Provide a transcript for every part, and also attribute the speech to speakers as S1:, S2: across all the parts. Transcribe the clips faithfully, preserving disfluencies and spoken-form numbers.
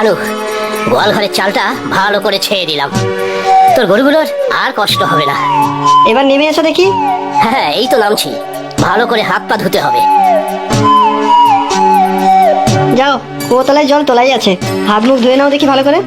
S1: কানু, গোয়াল ঘরের চালটা ভালো করে ছেয়ে দিলাম, তোর গরুগুলোর আর কষ্ট হবে না।
S2: এবার নেমে এসো দেখি।
S1: হ্যাঁ, এই তো নামছি। ভালো করে হাত পা ধুতে হবে।
S2: যাও, কুয়োতলায় জল তোলাই আছে, হাত মুখ ধুয়ে নাও দেখি ভালো করে।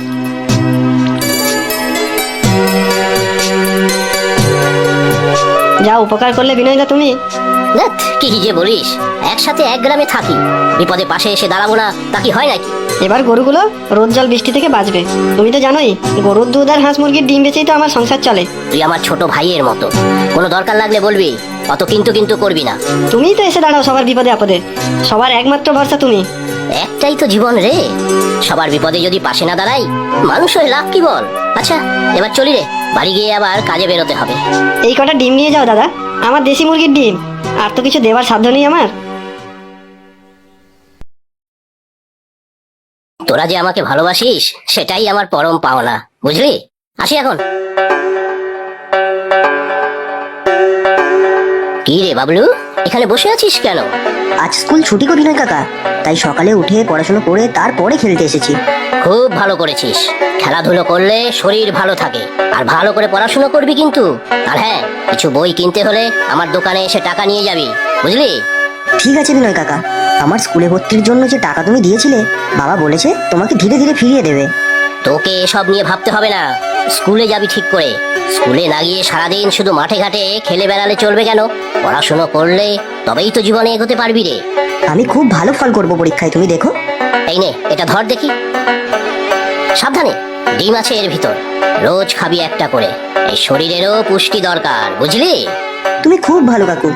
S2: যা উপকার করলে বিনয়দা তুমি।
S1: দেখ কি যে বলিস, একসাথে এক গ্রামে থাকি, বিপদে পাশে এসে দাঁড়াবো না তা কি হয় নাকি?
S2: এবার গরুগুলো রোদ জল বৃষ্টি থেকে বাঁচবে। তুমি তো জানোই গরুর দুধ আর হাঁস মুরগির ডিম বেচেই তো আমার সংসার চলে।
S1: তুই আমার ছোট ভাইয়ের মতো, কোনো দরকার লাগলে বলবি, অত কিন্তু কিন্তু করবি না।
S2: তুমিই তো এসে দাঁড়াও সবার বিপদে আপদে, সবার একমাত্র ভরসা তুমি।
S1: একটাই তো জীবন রে, সবার বিপদে যদি পাশে না দাঁড়াই মানুষ হয়ে লাভ কি বল? আচ্ছা এবার চলি রে, বাড়ি গিয়ে আবার কাজে বেরোতে হবে।
S2: এই কটা ডিম নিয়ে যাও দাদা, আমার দেশি মুরগির ডিম, আর তো কিছু দেওয়ার সাধ্য নেই আমার।
S1: তোরা যে আমাকে ভালোবাসিস সেটাই আমার পরম পাওনা, বুঝলি? আসি এখন। কি রে বাবলু, এখানে বসে আছিস কেন?
S3: আজ স্কুল ছুটি করি না কাকা, তাই সকালে উঠে পড়াশোনা করে তারপরে খেলতে এসেছি।
S1: খুব ভালো করেছিস, খেলাধুলো করলে শরীর ভালো থাকে, আর ভালো করে পড়াশোনা করবি কিন্তু। আর হ্যাঁ, কিছু বই কিনতে হলে আমার দোকানে এসে টাকা নিয়ে যাবি, বুঝলি?
S3: ঠিক আছে বিনয় কাকা, আমার স্কুলে ভর্তির জন্য যে টাকা তুমি দিয়েছিলে বাবা বলেছে তোমাকে ধীরে ধীরে ফিরিয়ে দেবে।
S1: তোকে এসব নিয়ে ভাবতে হবে না, স্কুলে যাবি ঠিক করে। স্কুলে না গিয়ে সারাদিন শুধু মাঠে ঘাটে খেলে বেড়ালে চলবে কেন? পড়াশোনা করলে তবেই তো জীবনে এগোতে পারবি রে।
S3: আমি খুব ভালো ফল করব পরীক্ষায়, তুমি দেখো।
S1: এই নে, এটা ধর দেখি। সাবধানে, ডিম আছে এর ভিতর, রোজ খাবি একটা করে, এই শরীরেরও পুষ্টি দরকার, বুঝলি?
S3: তুমি খুব ভালো কাকু।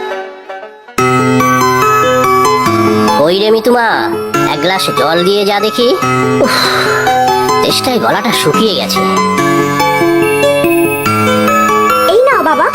S1: ওই রে মিতুমা, এক গ্লাস জল দিয়ে যা দেখি। উফ, তেষ্টায় গলাটা শুকিয়ে গেছে।
S4: এই নাও বাবা।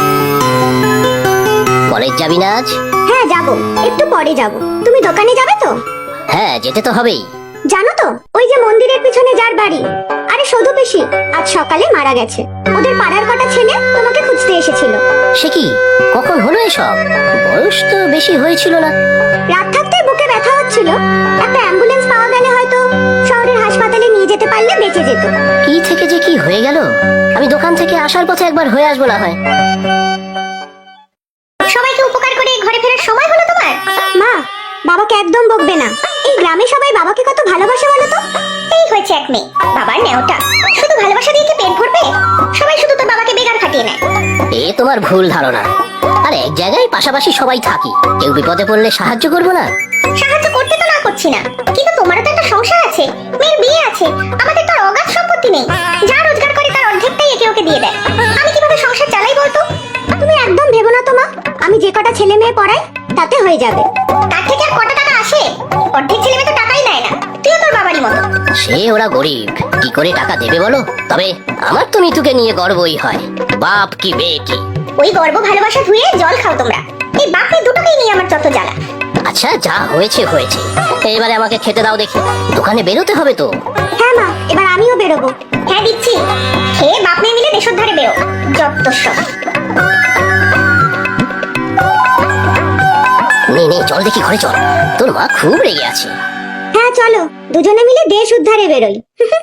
S1: কলেজ যাবি না আজ?
S4: হ্যাঁ যাব, একটু পরে যাব। তুমি দোকানে যাবে তো?
S1: হ্যাঁ, যেতে তো হবেই।
S4: জানো তো, ওই যে মন্দিরের পিছনে যার বাড়ি, আরে সধু পিসি আজ সকালে মারা গেছে। ওদের পাড়ার কটা ছেলে তোমাকে খুঁজতে এসেছিল।
S1: সে কি, কখন হলো এসব? বয়স তো বেশি হয়েছিল না।
S4: রাত থাকতে বুকে ব্যথা হচ্ছিল, একটা অ্যাম্বুলেন্স পাওয়া গেলে হয়তো শহরের হাসপাতালে নিয়ে যেতে পারলে বেঁচে যেত।
S1: কি থেকে যে কি হয়ে গেল, আমি দোকান থেকে আসার পথে একবার হয়ে আসবো না হয়।
S4: সবাইকে উপকার করে ঘরে ফেরার সময় হলো তোমার? মা, বাবাকে একদম বকবে না। এই গ্রামে সবাই বাবাকে কত ভালোবাসে বলো তো। এই হয়েছে এক মেয়ে, বাবার নেওটা, শুধু ভালোবাসা দিয়ে কি পেট ভরবে? সবাই শুধু তোর বাবাকে বেগার খাটিয়ে নেয়।
S1: এ তোমার ভুল ধারণা। আর এক জায়গায় পাশাপাশি সবাই থাকি, কেউ বিপদে পড়লে সাহায্য করবো না?
S4: সাহায্য করতে তো না করছি না, কিন্তু তোমারও তো একটা সংসার আছে, মেয়ের বিয়ে আছে, আমাদের তো আর অগাধ সম্পত্তি নেই। যা রোজগার করে তার অর্ধেকটাই একে ওকে দিয়ে দেয়। আমি কিভাবে সংসার চালাই বলতো? তুমি একদম ভেবো না তো মা, আমি যে কটা ছেলে মেয়ে পড়াই তাতে হয়ে যাবে। তার থেকে আর কটা টাকা আসে? অর্ধেক ছেলে মেয়ে তো টাকাই নেয় না, তুইও তোর বাবারই মতো।
S1: সে ওরা গরিব, কি করে টাকা দেবে বলো? তবে আমার তো মিতুকে নিয়ে গর্বই হয়, বাপ কি বেটি।
S4: ওই গর্ব ভালোবাসা ধুয়ে জল খাও তোমরা। এই বাপ মেয়ে দুটোকেই নিয়ে আমার যত জ্বালা।
S1: আচ্ছা, যা হয়েছে হয়েছে, এবারে আমাকে খেতে দাও দেখি, দোকানে বেরোতে হবে তো।
S4: হ্যাঁ মা, এবার আমিও বেরোবো। হ্যাঁ দিচ্ছি, খেয়ে বাপ মেয়ে মিলে দেশের ধারে বেরো, যত সব।
S1: নে নে, চল দেখি ঘরে চল, তোর মা খুব রেগে আছে।
S4: হ্যাঁ চলো, দুজনে মিলে দেশ উদ্ধারে বেরোই।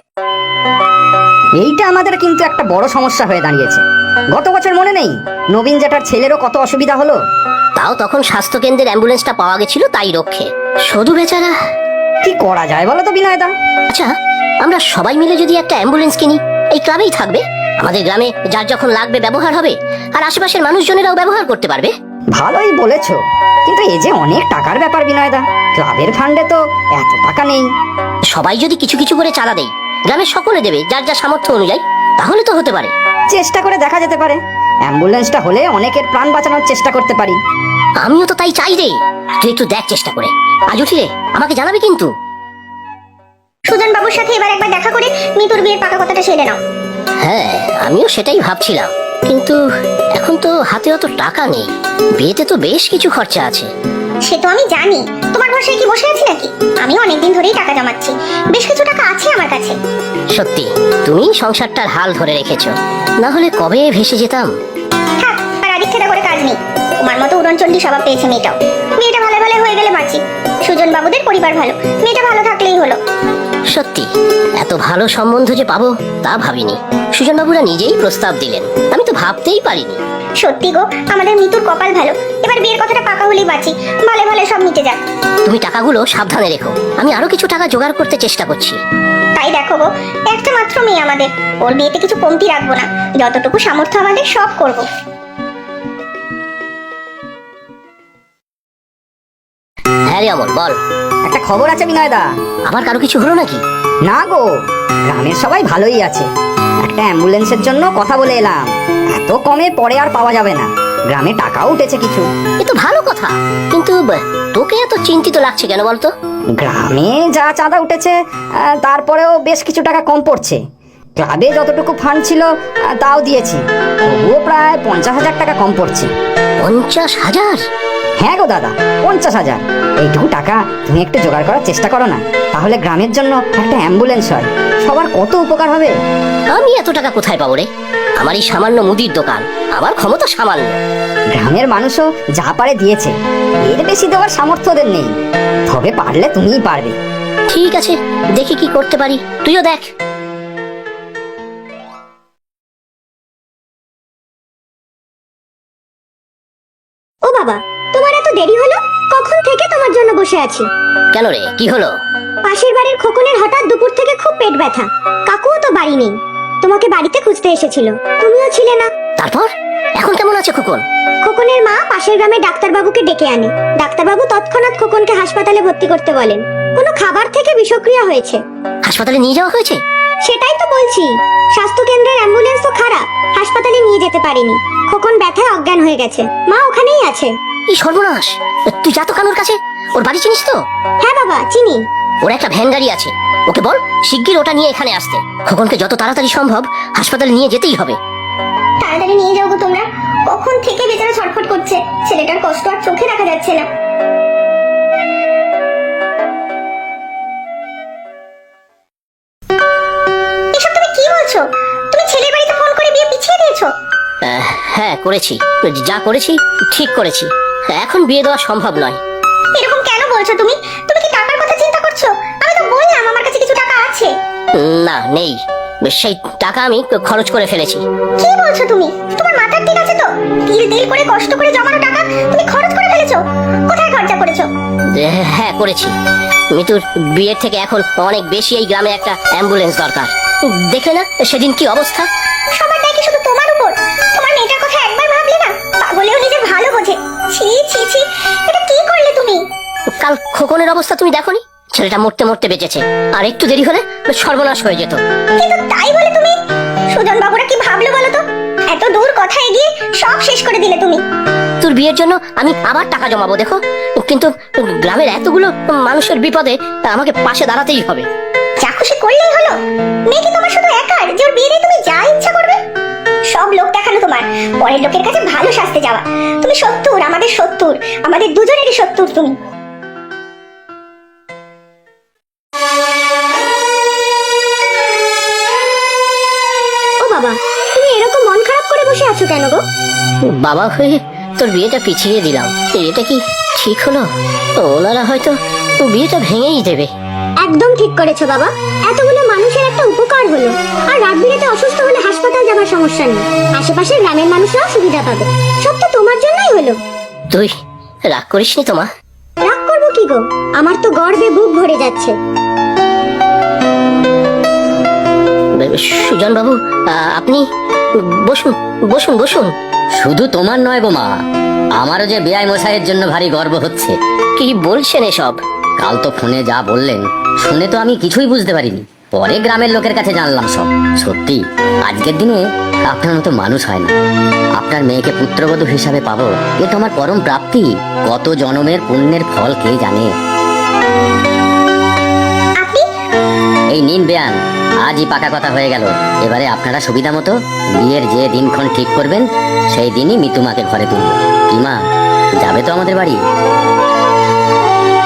S5: এইটা আমাদের কিন্তু একটা বড় সমস্যা হয়ে দাঁড়িয়েছে। গত বছর মনে নেই নবীন জেঠার ছেলেরও কত অসুবিধা হলো?
S1: তাও তখন স্বাস্থ্য কেন্দ্রের অ্যাম্বুলেন্সটা পাওয়া গেছিল, তাই রক্ষে। শুধু বেচারা।
S5: কি করা যায় বলো তো বিনয়দা?
S1: আচ্ছা, আমরা সবাই মিলে যদি একটা অ্যাম্বুলেন্স কিনি, এই ক্লাবেই থাকবে, আমাদের গ্রামে যার যখন লাগবে ব্যবহার হবে, আর আশেপাশের মানুষজনেরাও ব্যবহার করতে পারবে।
S5: ভালোই বলেছো, কিন্তু এই যে অনেক টাকার ব্যাপার বিনয়দা, ক্লাবের ফান্ডে তো এত টাকা নেই।
S1: সবাই যদি কিছু কিছু করে চাঁদা দেয়, গ্রামের সকলে দেবে যার যার সামর্থ্য অনুযায়ী, তাহলে তো হতে পারে।
S5: চেষ্টা করে দেখা যেতে পারে, অ্যাম্বুলেন্সটা হলে অনেকের প্রাণ বাঁচানোর চেষ্টা করতে পারি।
S1: আমিও তো তাই চাই রে, তুই একটু দেখ চেষ্টা করে। আজ উঠিলে আমাকে জানাবি কিন্তু।
S4: সুজন বাবুর সাথে এবার একবার দেখা করে মিতুর বিয়ের পাকা কথাটা সেরে নাও।
S1: হ্যাঁ, আমিও সেটাই ভাবছিলাম, কিন্তু এখন তো হাতে অত টাকা নেই, বিয়েতে তো বেশ কিছু খরচা আছে।
S4: সে তো আমি জানি, তোমার ভরসায় কি বসে আছি নাকি? আমি অনেকদিন ধরেই টাকা জমাচ্ছি, বেশ কিছু টাকা আছে আমার কাছে।
S1: সত্যি তুমি সংসারটার হাল ধরে রেখেছো, না হলে কবে ভেসে যেতাম।
S4: থাক, আর আদিক খেদা করে কাজ নেই। তোমার মতো উড়নচণ্ডী স্বভাব পেয়েছে মেয়েটাও। মেয়েটা ভালো ভালো হয়ে গেলে বাঁচি, সুজন বাবুদের পরিবার ভালো, মেয়েটা ভালো থাকলেই হলো।
S1: সত্যি এত ভালো সম্বন্ধ যে পাবো তা ভাবিনি। সুজনবাবুরা নিজেই প্রস্তাব দিলেন, আমি তো ভাবতেই পারিনি।
S4: সত্যি গো, আমাদের মিতুর কপাল ভালো। এবার বিয়ের কথাটা পাকা হলেই বাঁচি, ভালো ভালো সব মিটে যাক।
S1: তুমি টাকাগুলো সাবধানে রেখো, আমি আরো কিছু টাকা জোগাড় করতে চেষ্টা করছি।
S4: তাই দেখো গো, একটা মাত্র মেয়ে আমাদের, ওর বিয়েতে কিছু কমতি রাখবো না, যতটুকু সামর্থ্য আমাদের সব করব।
S1: হ্যাঁ রে অমল, বল।
S5: একটা খবর আছে বিনয়দা।
S1: আবার কারো কিছু হলো নাকি?
S5: না গো, গ্রামের সবাই ভালোই আছে। একটা অ্যাম্বুলেন্সের জন্য কথা বলে এলাম, এত কমে পরে আর পাওয়া যাবে না। গ্রামে টাকাও উঠেছে কিছু।
S1: এ তো ভালো কথা, কিন্তু ব- তোকে এত চিন্তিত লাগছে কেন বলতো?
S5: গ্রামে যা চাঁদা উঠেছে আহ, তারপরেও বেশ কিছু টাকা কম পড়ছে। ক্লাবে যতটুকু ফান্ড ছিল আহ, তাও দিয়েছি, তবুও প্রায় পঞ্চাশ হাজার টাকা কম পড়ছে।
S1: পঞ্চাশ হাজার?
S5: হ্যাঁ গো দাদা, পঞ্চাশ হাজার। এইটুকু টাকা তুমি একটু জোগাড় করার চেষ্টা করো না, তাহলে গ্রামের জন্য একটা অ্যাম্বুলেন্স হয়, সবার কত উপকার হবে।
S1: আমি এত টাকা কোথায় পাবো রে? আমার এই সামান্য মুদির দোকান, আমার ক্ষমতা সামান্য।
S5: গ্রামের মানুষও যা পারে দিয়েছে, এর বেশি দেওয়ার সামর্থ্য ওদের নেই। তবে পারলে তুমিই পারবে।
S1: ঠিক আছে, দেখি কি করতে পারি, তুইও দেখ।
S4: ও বাবা, তোমার এত দেরি হলো? কখন থেকে তোমার জন্য বসে আছি।
S1: কেন রে, কি হলো?
S4: পাশের বাড়ির খোকনের হঠাৎ দুপুর থেকে খুব পেট ব্যথা, কাকুও তো বাড়ি নেই, তোমাকে বাড়িতে খুঁজতে এসেছিল, তুমিও ছিলে না।
S1: তারপর এখন কেমন আছে খোকন?
S4: খোকনের মা পাশের গ্রামে ডাক্তারবাবুকে ডেকে আনে, ডাক্তারবাবু তৎক্ষণাৎ খোকনকে হাসপাতালে ভর্তি করতে বলেন। কোনো খাবার থেকে বিষক্রিয়া হয়েছে।
S1: হাসপাতালে নিয়ে যাওয়া হয়েছে?
S4: সেটাই তো বলছি, স্বাস্থ্য কেন্দ্রের অ্যাম্বুলেন্স তো খারাপ, হাসপাতালে নিয়ে যেতে পারেনি। খোকন ব্যথায় অজ্ঞান হয়ে গেছে, মা ওখানেই আছে।
S1: এই সর্বনাশ! তুই যা তো কানুর কাছে, ওর বাড়ি চিনিস তো?
S4: হ্যাঁ বাবা, চিনি।
S1: ওর একটা ভ্যান গাড়ি আছে, ওকে বল শিগগির ওটা নিয়ে এখানে আসতে। খোকনকে যত তাড়াতাড়ি সম্ভব হাসপাতালে নিয়ে যেতেই হবে।
S4: তাড়াতাড়ি নিয়ে যাও গো তোমরা, কখন থেকে বেচারা ছটফট করছে, ছেলেটার কষ্ট আর চোখে দেখা যাচ্ছে না। এসব তুমি কি বলছো? তুমি ছেলের বাড়িতে ফোন করে বিয়ে পিছিয়ে দিয়েছো?
S1: আহ, হ্যাঁ করেছি, যা করেছি ঠিক করেছি। এখন বিয়ে দেওয়া সম্ভব নয়।
S4: এরকম কেন বলছো তুমি? তুমি কি টাকার কথা চিন্তা করছো? আমি তো বললাম আমার কাছে কিছু টাকা আছে।
S1: না, নেই, সেই টাকা আমি খরচ করে ফেলেছি।
S4: কি বলছো তুমি? তোমার মাথা ঠিক আছে তো? তিল তিল করে কষ্ট করে জমানো টাকা তুমি খরচ করে ফেলেছো? কোথায় খরচা করেছো?
S1: হ্যাঁ করেছি, মিতুর বিয়ের থেকে এখন অনেক বেশি এই গ্রামে একটা অ্যাম্বুলেন্স দরকার। দেখলে না সেদিন কি অবস্থা?
S4: সবার দায় কি শুধু তোমার উপর? তোমার মেয়েটার কথা একবার ভাবলে না? পাগলেও নিজের ভালো বোঝে। ছি ছি ছি, এটা কি করলে তুমি?
S1: কাল খোকনের অবস্থা তুমি দেখোনি? ছেলেটা মরতে মরতে বেঁচেছে, আর একটু দেরি হলে সর্বনাশ হয়ে যেত।
S4: কিন্তু তাই বলে তুমি সুজন বাবুরা কি ভাবলো বলো তো? এত দূর কথা এগিয়ে সব শেষ করে দিলে তুমি।
S1: তোর বিয়ের জন্য আমি আবার টাকা জমাবো দেখো, কিন্তু গ্রামের এতগুলো মানুষের বিপদে আমাকে পাশে দাঁড়াতেই হবে।
S4: যা খুশি করলেই হলো? মেয়ে কি তোমার শুধু একার যে ওর বিয়ে দিয়ে তুমি যা ইচ্ছা করবে? সব লোক দেখানো তোমার, পরের লোকের কাছে ভালো সাজতে যাওয়া। তুমি শত্রুর, আমাদের শত্রুর, আমাদের দুজনেরই শত্রুর তুমি। ও বাবা, তুমি এরকম মন খারাপ করে বসে আছো কেন গো?
S1: বাবা হয়ে তোর বিয়েটা পিছিয়ে দিলাম, এটা কি ঠিক হলো? ওনারা হয়তো বিয়েটা ভেঙেই দেবে।
S4: একদম ঠিক করেছো বাবা, এতগুলো মানুষের একটা উপকার হলো। আর রাত বিরেতে অসুস্থ হলে হাসপাতাল যাবার সমস্যা নেই, আশেপাশের গ্রামের মানুষরাও সুবিধা পাবে। সব তো তোমার জন্যই হলো।
S1: তুই রাগ করিসনি তো মা?
S4: রাগ করবো কি গো, আমার তো গর্বে বুক ভরে যাচ্ছে।
S1: সুজন বাবু, আপনি বসুন বসুন বসুন।
S6: শুধু তোমার নয় গো মা, আমারও যে বেআই মশাইয়ের জন্য ভারী গর্ব হচ্ছে।
S1: কি বলছেন এসব?
S6: কাল তো ফোনে যা বললেন, শুনে তো আমি কিছুই বুঝতে পারিনি, পরে গ্রামের লোকের কাছে জানলাম সব। সত্যি আজকের দিনে আপনার মতো মানুষ হয় না। আপনার মেয়েকে পুত্রবধূ হিসাবে পাবো, এ তো আমার পরম প্রাপ্তি। কত জনমের পুণ্যের ফল কে জানে।
S4: আপনি
S6: এই নিন বেয়ান, আজই পাকা কথা হয়ে গেল। এবারে আপনারা সুবিধা মতো বিয়ের যে দিনক্ষণ ঠিক করবেন, সেই দিনই মিতুমাকে ঘরে তুলব। কি মা, যাবে তো আমাদের বাড়ি?